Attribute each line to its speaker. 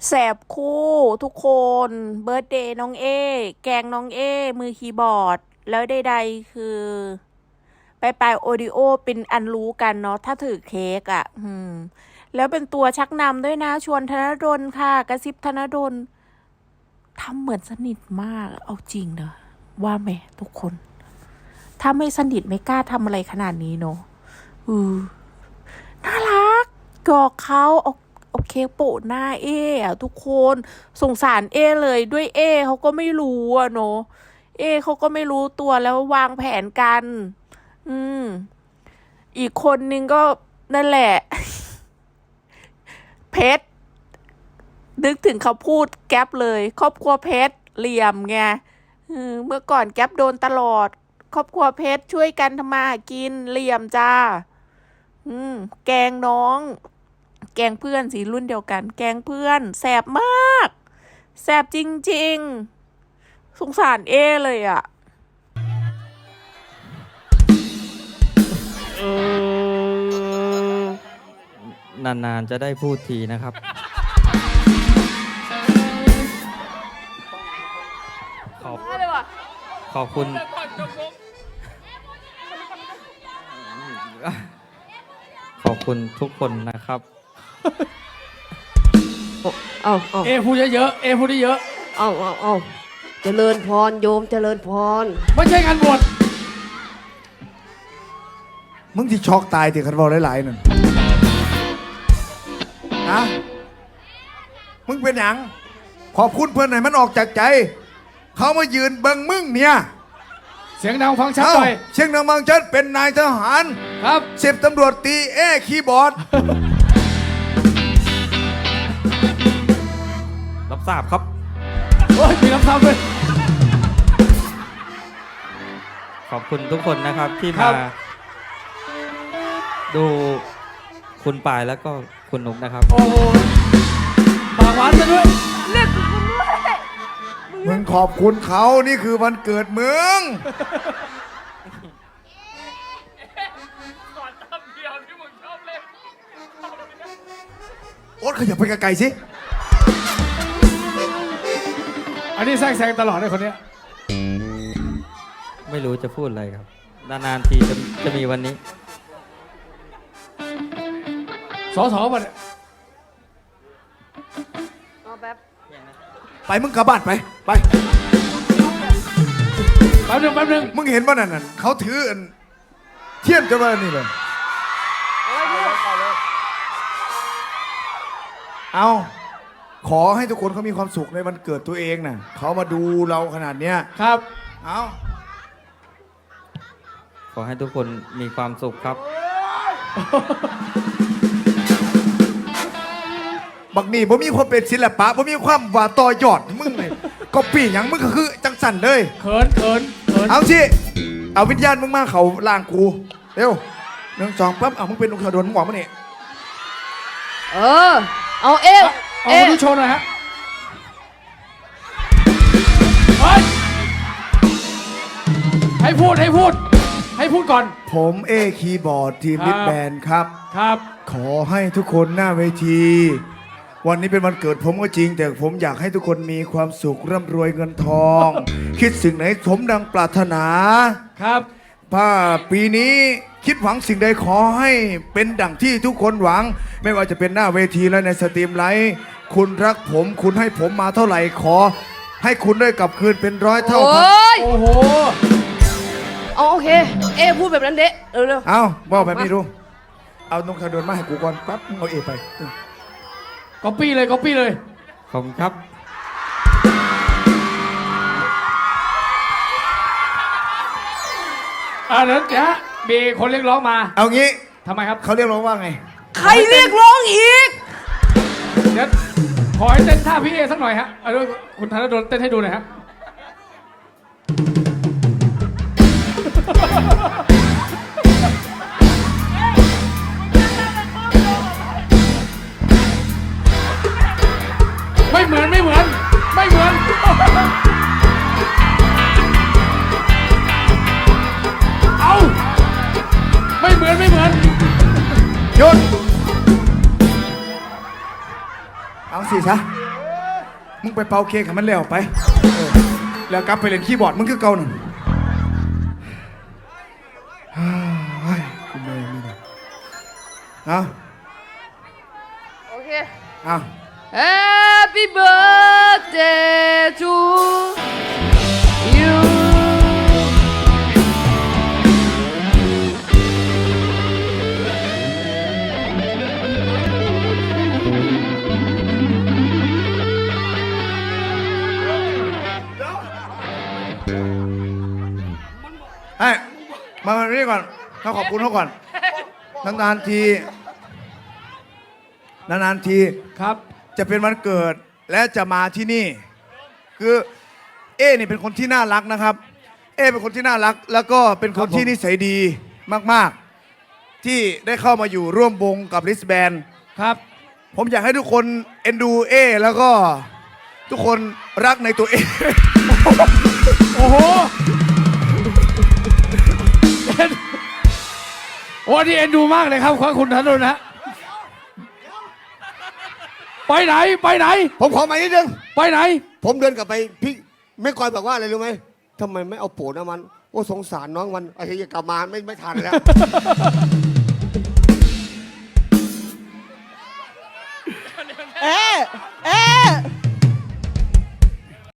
Speaker 1: แสบคู่ทุกคน เบิร์ธเดย์น้องเอแกงน้องเอมือคีย์บอร์ด แล้วใดๆคือไปโอริโอเป็นอันรู้กันเนาะถ้าถือเค้กอ่ะแล้วเป็นตัวชักนำด้วยนะ ชวนธนดลค่ะ กระซิบธนดลทำเหมือนสนิทมาก เอาจริงนะว่าไหมทุกคน ถ้าไม่สนิทไม่กล้าทำอะไรขนาดนี้เนาะน่ารักกอกเขาโอเคโปะหน้าเออะทุกคนสงสารเอเลยด้วยเอเขาก็ไม่รู้อะเนาะเอเขาก็ไม่รู้ตัวแล้ววางแผนกันอีกคนนึงก็นั่นแหละ เพชรนึกถึงเขาพูดแก๊ปเลย ครอบครัวเพชรเหลี่ยมไงเมื่อก่อนแก๊ปโดนตลอด ครอบครัวเพชรช่วยกันทำมาหากินเหลี่ยมจ้าแกงน้อง แกงเพื่อนสีรุ่นเดียวกัน แกงเพื่อนแสบมากแสบจริงๆสงสารเอเลยอ่ะ
Speaker 2: นานๆจะได้พูดทีนะครับขอบคุณขอบคุณทุกคนนะครับ
Speaker 3: เอา
Speaker 4: เอพูดเยอะๆเอพูดเยอะ
Speaker 3: เอาเจริญพรโยมเจริญพร
Speaker 4: ไม่ใช่งานบวช
Speaker 5: มึงที่ช็อกตายที่คันบอกหลายๆนั่นฮะมึงเป็นหยังขอบคุณเพื่อนไหนมันออกจากใจ เขามายืนเบิ่งมึงเนี่ย
Speaker 4: เสียงดังฟังชัดหน่อย
Speaker 5: เชียงนางบางชัดเป็นนายทหาร
Speaker 4: ครับ
Speaker 5: 10 ตำรวจตีเอคีย์บอร์ด
Speaker 2: รับทราบครับ
Speaker 4: โอ้ยมีรับทราบด้วย
Speaker 2: ขอบคุณทุกคนนะครับที่มาดูคุณปายแล้วก็คุณนุ๊กนะครับ
Speaker 4: โอ้โหปากหวานซะด้วย
Speaker 1: เรียกคุณด้วย
Speaker 5: มึงขอบคุณเขานี่คือวันเกิดมึงโอ๊ตขยับไปไกลๆสิ
Speaker 4: อันนี้แซงตลอดเลยคนเนี้ย
Speaker 2: ไม่รู้จะพูดอะไรครับนานๆทีจะมีวันนี้
Speaker 4: สอมาเนี่ย
Speaker 5: ไปมึงกลับบ้านไปแ
Speaker 4: ป๊บนึง
Speaker 5: มึงเห็นว่านั่นเขาถือเทียนจะมานี่เลยเอาขอให้ทุกคนเขามีความสุขในวันเกิดตัวเองน่ะเขามาดูเราขนาดเนี้ย
Speaker 4: ครับ
Speaker 5: เอา
Speaker 2: ขอให้ทุกคนมีความสุขครับ
Speaker 5: บักนี่ผมมีความเป็นศิลปะผมมีความว่าต่อยอดมึงเลยก็ปีอย่างมึงก็คือจังสันเลย
Speaker 4: เขิน
Speaker 5: เอาสิเอาวิญญาณมึงมาเขาล่างกูเร็ว1 2ปั๊บเอามึงเป็นองค์ขดลมึงบอกมาเนี่ย
Speaker 3: เอา
Speaker 4: มาดูโชว์หน่อยฮะให้พูดก่อน
Speaker 5: ผมคีย์บอร์ดทีมบิ๊กแบนด์ครับขอให้ทุกคนหน้าเวทีวันนี้เป็นวันเกิดผมก็จริงแต่ผมอยากให้ทุกคนมีความสุขร่ำรวยเงินทอง คิดสิ่งไหนสมดังปรารถนา
Speaker 4: ครับ
Speaker 5: ถ้าปีนี้คิดหวังสิ่งใดขอให้เป็นดั่งที่ทุกคนหวังไม่ว่าจะเป็นหน้าเวทีและในสตรีมไลฟ์คุณรักผมคุณให้ผมมาเท่าไหร่ขอให้คุณได้กลับคืนเป็น100 เท่าพัน
Speaker 4: โอ้โห
Speaker 3: โอเคพูดแบบนั้นเดะเร็ว
Speaker 5: เอาบอกแบบนี้ดูเอานงคาโดนมาให้กูก่อนปั๊บเอาไป
Speaker 4: ก๊อปปี้เลย
Speaker 2: ขอบคุณครับ
Speaker 4: เดี๋ยวมีคนเรียกร้องมา
Speaker 5: เอางี้
Speaker 4: ทำไมครับ
Speaker 5: เขาเรียกร้องว่าไง
Speaker 1: ใครเรียกร้องอีก
Speaker 4: เดี๋ยวขอให้เต้นท่าพี่เอสักหน่อยฮะเอาด้วยคุณธนดลเต้นให้ดูหน่อยฮะไม่เหมือนเอาไม่เหมือน
Speaker 5: หยุดเอาสิซะมึงไปเป่าเค้กให้มันแล้วไปแล้วกลับไปเล่นคีย์บอร์ดมึงคือเก่าหนึ่งกูไม่มีนะเอา
Speaker 3: โอเค
Speaker 5: เอา
Speaker 3: Happy birthday to you
Speaker 5: ให้มานี่ก่อนเขาขอบคุณเขาก่อนนานๆที
Speaker 4: ครับ
Speaker 5: จะเป็นวันเกิดและจะมาที่นี่ คือนี่เป็นคนที่น่ารักนะครับเป็นคนที่น่ารัก แล้วก็เป็นคนที่นิสัยดีมากๆ ที่ได้เข้ามาอยู่ร่วมวงกับลิสแบน
Speaker 4: ครับ
Speaker 5: ผมอยากให้ทุกคนเอ็นดูแล้วก็ทุกคนรักในตัว
Speaker 4: โอ้โหโอ้นี่เอ็นดูมากเลยครับคุณธนดลนะ ไปไหน
Speaker 6: ผมขอมานิดนึง
Speaker 4: ไปไหน
Speaker 6: ผมเดินกลับไปพี่แม่กอยบอกว่าอะไรรู้ไหมทำไมไม่เอาโปนะมันโอ้สงสารน้องมันไอ้เหี้ยกลับมาไม่ทันแล้ว
Speaker 7: เอ๊ะ